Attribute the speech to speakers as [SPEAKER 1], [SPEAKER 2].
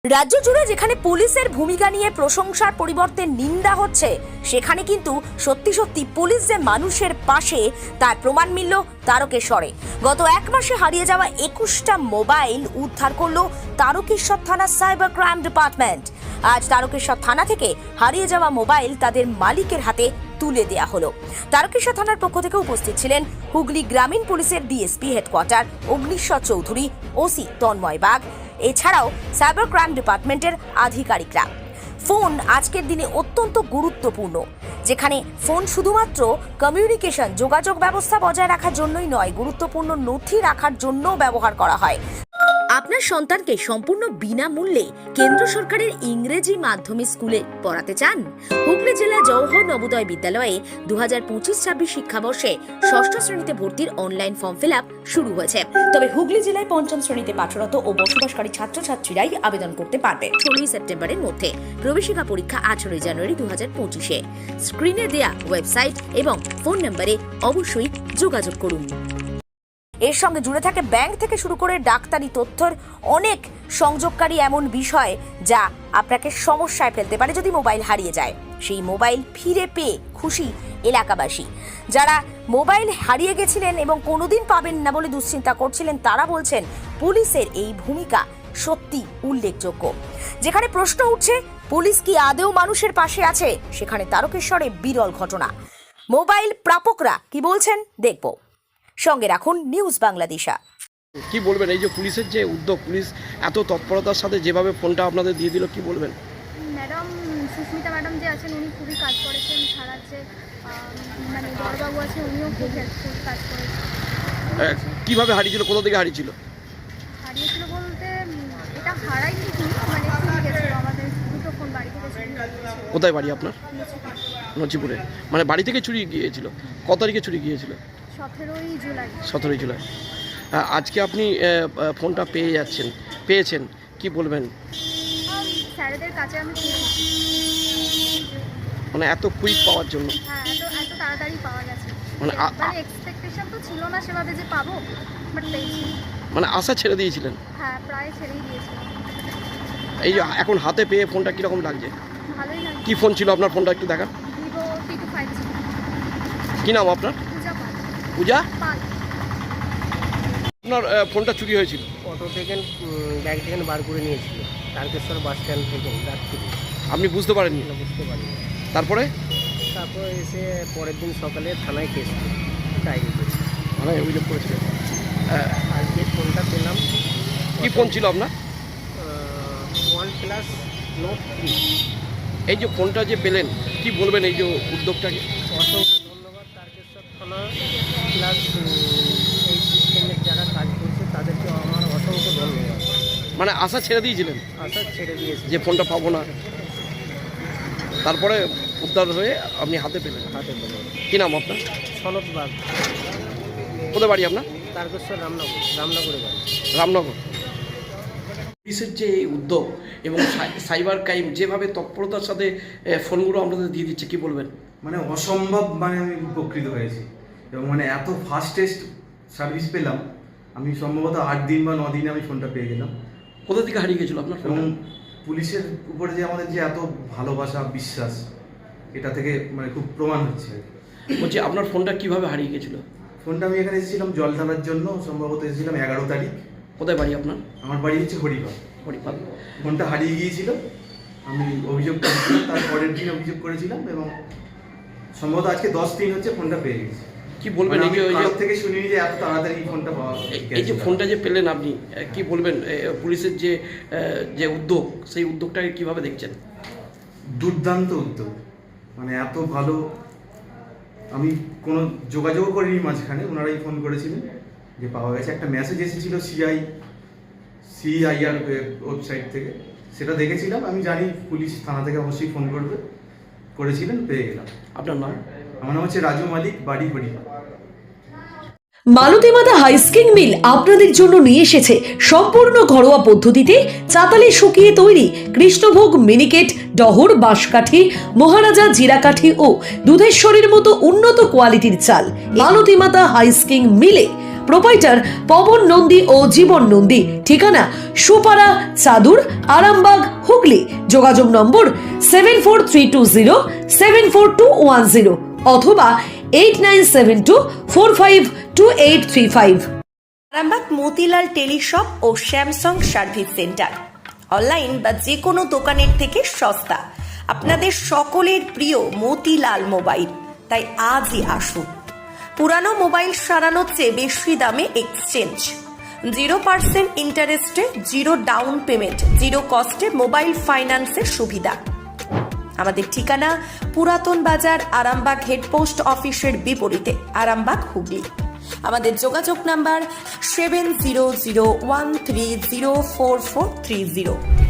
[SPEAKER 1] রাজ্য জুড়ে যেখানে পুলিশের ভূমিকা নিয়ে প্রশংসার পরিবর্তে নিন্দা হচ্ছে, সেখানে কিন্তু সত্যি সত্যি পুলিশ যে মানুষের পাশে তার প্রমাণ মিলল তারকেশ্বরে। গত এক মাসে হারিয়ে যাওয়া 21টা মোবাইল উদ্ধার করলো তারকেশ্বর থানার সাইবার ক্রাইম ডিপার্টমেন্ট। আজ তারকেশ্বর থানা থেকে হারিয়ে যাওয়া মোবাইল তাদের মালিকের হাতে তুলে দেয়া হলো। তারকেশ্বর থানার পক্ষ থেকে উপস্থিত ছিলেন হুগলি গ্রামীণ পুলিশের DSP headquarter Agniswar Chowdhury, OC Tanmoy Bag, এছাড়াও সাইবার ক্রাইম ডিপার্টমেন্টের আধিকারিকরা। ফোন আজকের দিনে অত্যন্ত গুরুত্বপূর্ণ, যেখানে ফোন শুধুমাত্র কমিউনিকেশন যোগাযোগ ব্যবস্থা বজায় রাখার জন্যই নয়, গুরুত্বপূর্ণ নথি রাখার জন্যও ব্যবহার করা হয়। আপনার সন্তানকে সম্পূর্ণ বিনামূল্যে কেন্দ্র সরকারের ইংরেজি মাধ্যমে স্কুলে পড়াতে চান? হুগলি জেলা জওহর নবোদয় বিদ্যালয়ে 2025-26 শিক্ষাবর্ষে ষষ্ঠ শ্রেণীতে ভর্তির অনলাইন ফর্ম ফিল আপ শুরু হয়েছে। তবে হুগলি জেলায় পঞ্চম শ্রেণীতে পাঠরত ও বসবাসকারী ছাত্রছাত্রীরাই আবেদন করতে পারবে 16 সেপ্টেম্বরের মধ্যে। প্রবেশিকা পরীক্ষা 18 জানুয়ারি 2025-এ। স্ক্রিনে দেয়া ওয়েবসাইট এবং ফোন নম্বরে অবশ্যই যোগাযোগ করুন। এর সঙ্গে জুড়ে থাকে ব্যাংক থেকে শুরু করে ডাক্তারি তথ্যের অনেক সংযোগকারী এমন বিষয় যা আপনাকে সমস্যায় ফেলতে পারে যদি মোবাইল হারিয়ে যায়। সেই মোবাইল ফিরে পেয়ে খুশি এলাকাবাসী। যারা মোবাইল হারিয়ে গেছিলেন এবং কোনোদিন পাবেন না বলে দুশ্চিন্তা করছিলেন, তারা বলছেন পুলিশের এই ভূমিকা সত্যি উল্লেখযোগ্য। যেখানে প্রশ্ন উঠছে পুলিশ কি আদৌ মানুষের পাশে আছে, সেখানে তারকেশ্বরে বিরল ঘটনা। মোবাইল প্রাপকরা কি বলছেন দেখব। সঙ্গে রাখুন নিউজ বাংলাদেশা।
[SPEAKER 2] কি বলবেন এই যে পুলিশের যে উদ্যোগ, পুলিশ এত তৎপরতার সাথে যেভাবে ফোনটা আপনাদের দিয়ে দিল, কি বলবেন?
[SPEAKER 3] ম্যাডাম সুস্মিতা ম্যাডাম যে আছেন, উনি খুবই কাজ করেছেন। ছাড়া যে মানে বড়বাবু আছে, উনিও খুব হেল্পফুল কাজ করেছেন।
[SPEAKER 2] কিভাবে হারিয়েছিল, কোথা থেকে হারিয়েছিল?
[SPEAKER 3] হারিয়েছিল বলতে এটা হারাইনি, মানে চুরি গেছিলো আমাদের দুটো ফোন বাড়ি থেকে চুরি গেছিল।
[SPEAKER 2] কোথায় বাড়ি আপনার? নচিপুরে। মানে বাড়ি থেকে চুরি গিয়েছিল। কত তারিখে চুরি গিয়েছিল?
[SPEAKER 3] 17ই জুলাই।
[SPEAKER 2] 17ই জুলাই। আজকে আপনি ফোনটা পেয়েছেন, কি বলবেন?
[SPEAKER 3] স্যারেদের কাছে আমি
[SPEAKER 2] মানে এত কুইক পাওয়ার জন্য?
[SPEAKER 3] হ্যাঁ, এত তাড়াতাড়ি পাওয়া গেছে।
[SPEAKER 2] মানে
[SPEAKER 3] এক্সপেকটেশন তো ছিল না সেভাবে যে পাবো, বাট পেয়েছি।
[SPEAKER 2] মানে আশা ছেড়ে দিয়েছিলেন?
[SPEAKER 3] হ্যাঁ, প্রায় ছেড়েই দিয়েছিলাম।
[SPEAKER 2] এই যে এখন হাতে পেয়ে ফোনটা কীরকম লাগছে?
[SPEAKER 3] ভালোই লাগে।
[SPEAKER 2] কি ফোন ছিল আপনার? ফোনটা একটু দেখা।
[SPEAKER 3] ভিভো T25 ছিল।
[SPEAKER 2] কি নাম আপনার? পূজা। আপনার ফোনটা চুরি হয়েছিল?
[SPEAKER 4] অটো থেকে ব্যাগ থেকে বার করে নিয়েছিল, তারকেশ্বর বাস স্ট্যান্ড থেকে রাত্রি।
[SPEAKER 2] আপনি বুঝতে পারেননি?
[SPEAKER 4] বুঝতে পারিনি।
[SPEAKER 2] তারপরে
[SPEAKER 4] এসে পরের দিন সকালে থানায় কেস ডায়েরি করেছি,
[SPEAKER 2] মানে অভিযোগ করেছিলেন।
[SPEAKER 4] আজকে ফোনটা পেলাম।
[SPEAKER 2] কি ফোন ছিল আপনার?
[SPEAKER 4] OnePlus Note 3।
[SPEAKER 2] এই যে ফোনটা যে পেলেন, কি বলবেন এই যে উদ্যোগটাকে?
[SPEAKER 4] অসংখ্য ধন্যবাদ তারকেশ্বর থানা প্লাস এই সিস্টেমের যারা কাজ করছে তাদেরকে আমার অসংখ্য ধন্যবাদ।
[SPEAKER 2] মানে আশা ছেড়ে দিয়েছিলেন?
[SPEAKER 4] আশা ছেড়ে দিয়েছি
[SPEAKER 2] যে ফোনটা পাবো না, তারপরে উদ্ধার হয়ে আপনি হাতে পেলেন।
[SPEAKER 4] হাতে পেলাম।
[SPEAKER 2] কি নাম আপনার?
[SPEAKER 4] সনদ বাগ।
[SPEAKER 2] কোথায় বাড়ি আপনার?
[SPEAKER 4] তারকেশ্বর রামনগরে বাড়ি।
[SPEAKER 2] রামনগর। পুলিশের যে এই উদ্যোগ এবং সাইবার ক্রাইম যেভাবে তৎপরতার সাথে ফোনগুলো আপনাদের দিয়ে দিচ্ছে, কি বলবেন?
[SPEAKER 5] মানে অসম্ভব, মানে আমি উপকৃত হয়েছি এবং মানে এত ফাস্টেস্ট সার্ভিস পেলাম। আমি সম্ভবত 8 দিন বা 9 দিনে আমি ফোনটা পেয়ে গেলাম।
[SPEAKER 2] কোথা থেকে হারিয়ে গেছিলো আপনার ফোন?
[SPEAKER 5] এবং পুলিশের উপরে যে আমাদের যে এত ভালোবাসা, বিশ্বাস, এটা থেকে মানে খুব প্রমাণ হচ্ছে।
[SPEAKER 2] বলছি আপনার ফোনটা কিভাবে হারিয়ে গেছিলো?
[SPEAKER 5] ফোনটা আমি এখানে এসেছিলাম জল ঢালার জন্য, সম্ভবত এসেছিলাম 11 তারিখ।
[SPEAKER 2] কোথায় বাড়ি আপনার?
[SPEAKER 5] আমার বাড়ি হচ্ছে হরিপাল। ফোনটা হারিয়ে গিয়েছিল, আমি অভিযোগ করেছিলাম, তার পরের দিন অভিযোগ করেছিলাম এবং সম্ভবত আজকে 10 দিন হচ্ছে ফোনটা পেয়ে গেছি।
[SPEAKER 2] কি বলবেন এই যে
[SPEAKER 5] থেকে শুনিনি যে এত তাড়াতাড়ি ফোনটা পাওয়া?
[SPEAKER 2] এই যে ফোনটা যে পেলেন আপনি, কি বলবেন পুলিশের যে উদ্যোগ, সেই উদ্যোগটাকে কিভাবে দেখছেন?
[SPEAKER 5] দুর্দান্ত উদ্যোগ, মানে এত ভালো। আমি কোনো যোগাযোগ করিনি মাঝখানে, ওনারাই ফোন করেছিলেন যে পাওয়া গেছে। একটা মেসেজ এসেছিল CIR ওয়েবসাইট থেকে, সেটা দেখেছিলাম। আমি জানি পুলিশ থানা থেকে অবশ্যই ফোন করেছিলেন, পেয়ে গেলাম।
[SPEAKER 2] আপনার নাম?
[SPEAKER 5] আমার নাম হচ্ছে রাজু মালিক, বাড়ি হরিপাল।
[SPEAKER 6] মালতীমাতা হাইস্কিং মিল আপনাদের জন্য নিয়ে এসেছে সম্পূর্ণ ঘরোয়া পদ্ধতিতে চাতালে শুকিয়ে তৈরি কৃষ্ণভোগ মিনিকেট, ডহর, বাঁশকাঠি, মহারাজা জিরাকাঠি ও দুধেশ্বরীর মতো উন্নত কোয়ালিটির চাল। মালতীমাতা হাইস্কিং মিলে প্রোপাইটার পবন নন্দী ও জীবন নন্দী। ঠিকানা সুপারা, চাদুর, আরামবাগ, হুগলি। যোগাযোগ নম্বর 7432074210 অথবা 8972452835।
[SPEAKER 1] আরামবাগ মতিলাল টেলিশপ ও স্যামসাং সার্ভিস সেন্টার, অনলাইন বা যে কোনো দোকানের থেকে সস্তা। আপনাদের সকলের প্রিয় মতিলাল মোবাইল, তাই আজই আসুন। পুরানো মোবাইল সারানোর চেয়ে বেশি দামে এক্সচেঞ্জ, 0% ইন্টারেস্টে, 0 ডাউন পেমেন্ট, 0 কস্টে মোবাইল ফাইন্যান্সের সুবিধা। আমাদের ঠিকানা পুরাতন বাজার, আরামবাগ হেডপোস্ট অফিসের বিপরীতে, আরামবাগ, হুগলি। আমাদের যোগাযোগ নাম্বার 7001304430।